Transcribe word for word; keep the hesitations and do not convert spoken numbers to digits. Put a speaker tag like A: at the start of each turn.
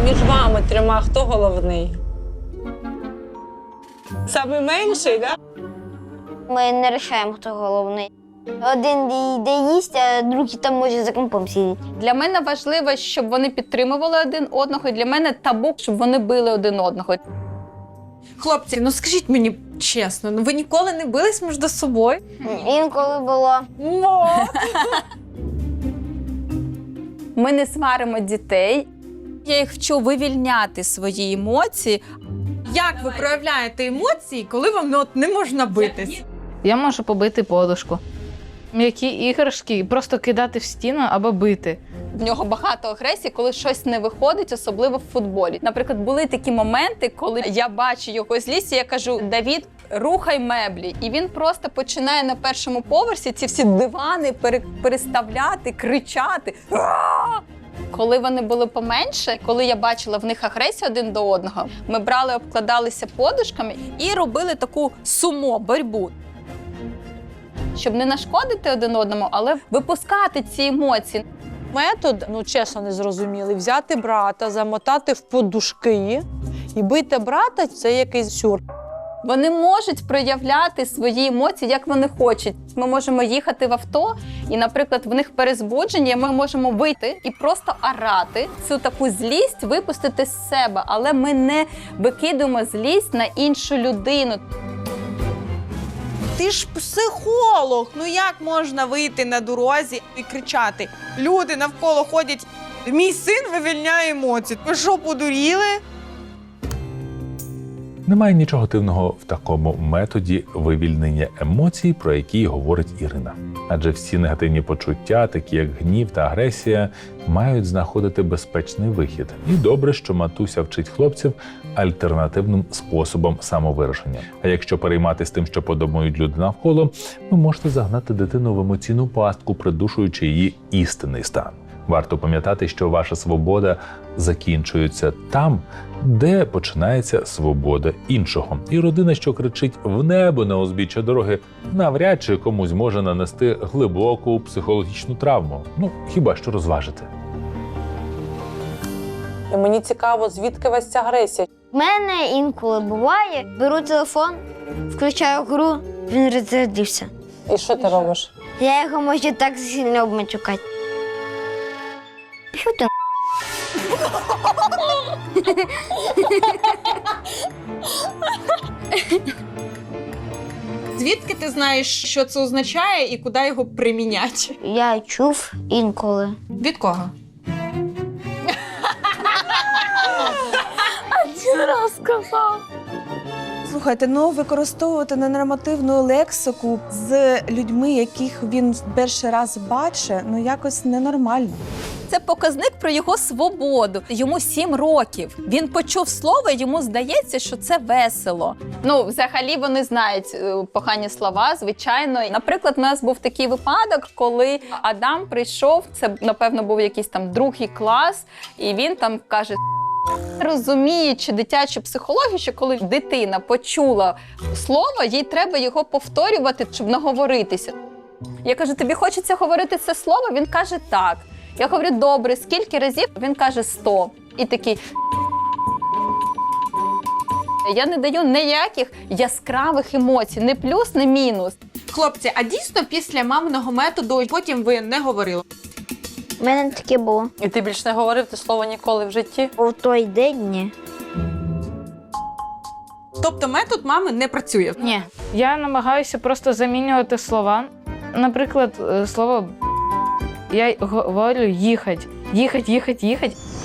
A: Між вами трьома хто головний? Самий менший, так? Да?
B: Ми не вирішуємо, хто головний. Один йде їсть, а другий там може за компом сидіти.
C: Для мене важливо, щоб вони підтримували один одного, і для мене табу, щоб вони били один одного.
D: Хлопці, ну скажіть мені чесно, ну ви ніколи не бились між собою?
B: Інколи було.
C: Ми не сваримо дітей.
D: Я їх вчу вивільняти свої емоції. Як ви проявляєте емоції, коли вам ну, от, не можна битись?
E: Я можу побити подушку. М'які іграшки просто кидати в стіну або бити.
C: В нього багато агресії, коли щось не виходить, особливо в футболі. Наприклад, були такі моменти, коли я бачу його злість, і я кажу: Давід, рухай меблі. І він просто починає на першому поверсі ці всі дивани пере- переставляти, кричати. «А-а-а!» Коли вони були поменше, коли я бачила в них агресію один до одного, ми брали, обкладалися подушками і робили таку сумо, боротьбу. Щоб не нашкодити один одному, але випускати ці емоції.
A: Метод, ну чесно, незрозумілий. Взяти брата, замотати в подушки і бити брата – це якийсь сюр.
C: Вони можуть проявляти свої емоції, як вони хочуть. Ми можемо їхати в авто, і, наприклад, в них перезбудження, ми можемо вийти і просто орати, цю таку злість випустити з себе, але ми не викидуємо злість на іншу людину.
D: Ти ж психолог, ну як можна вийти на дорозі і кричати? Люди навколо ходять, мій син вивільняє емоції. Ви що, подуріли?
F: Немає нічого дивного в такому методі вивільнення емоцій, про які говорить Ірина. Адже всі негативні почуття, такі як гнів та агресія, мають знаходити безпечний вихід. І добре, що матуся вчить хлопців альтернативним способом самовираження. А якщо перейматися тим, що подумають люди навколо, ви можете загнати дитину в емоційну пастку, придушуючи її істинний стан. Варто пам'ятати, що ваша свобода закінчується там, де починається свобода іншого. І родина, що кричить в небо на узбіччя дороги, навряд чи комусь може нанести глибоку психологічну травму. Ну, хіба що розважити.
A: І мені цікаво, звідки у вас ця агресія?
B: В мене інколи буває, беру телефон, включаю гру, він розрядився.
A: І що ти робиш?
B: Я його можу так сильно обматюкати. Що ти?
D: Звідки ти знаєш, що це означає і куди його приміняти?
B: Я чув інколи.
D: Від кого?
G: Слухайте, ну використовувати ненормативну лексику з людьми, яких він перший раз бачить, ну якось ненормально.
C: Це показник про його свободу. Йому сім років. Він почув слово, і йому здається, що це весело. Ну, взагалі вони знають е, погані слова, звичайно. Наприклад, у нас був такий випадок, коли Адам прийшов, це, напевно, був якийсь там другий клас, і він там каже: розуміючи дитячу психологію, що коли дитина почула слово, їй треба його повторювати, щоб наговоритися. Я кажу: тобі хочеться говорити це слово? Він каже: так. Я говорю: добре, скільки разів? Він каже: сто. І такий. Я не даю ніяких яскравих емоцій, не плюс, не мінус.
D: Хлопці, а дійсно після маминого методу потім ви не говорили?
B: У мене таке було.
A: І ти більш не говорив те слово ніколи в житті?
B: У той день ні.
D: Тобто метод мами не працює?
E: Ні. Я намагаюся просто замінювати слова. Наприклад, е, слово «б». Я говорю «їхать», «їхать», «їхать», «їхать».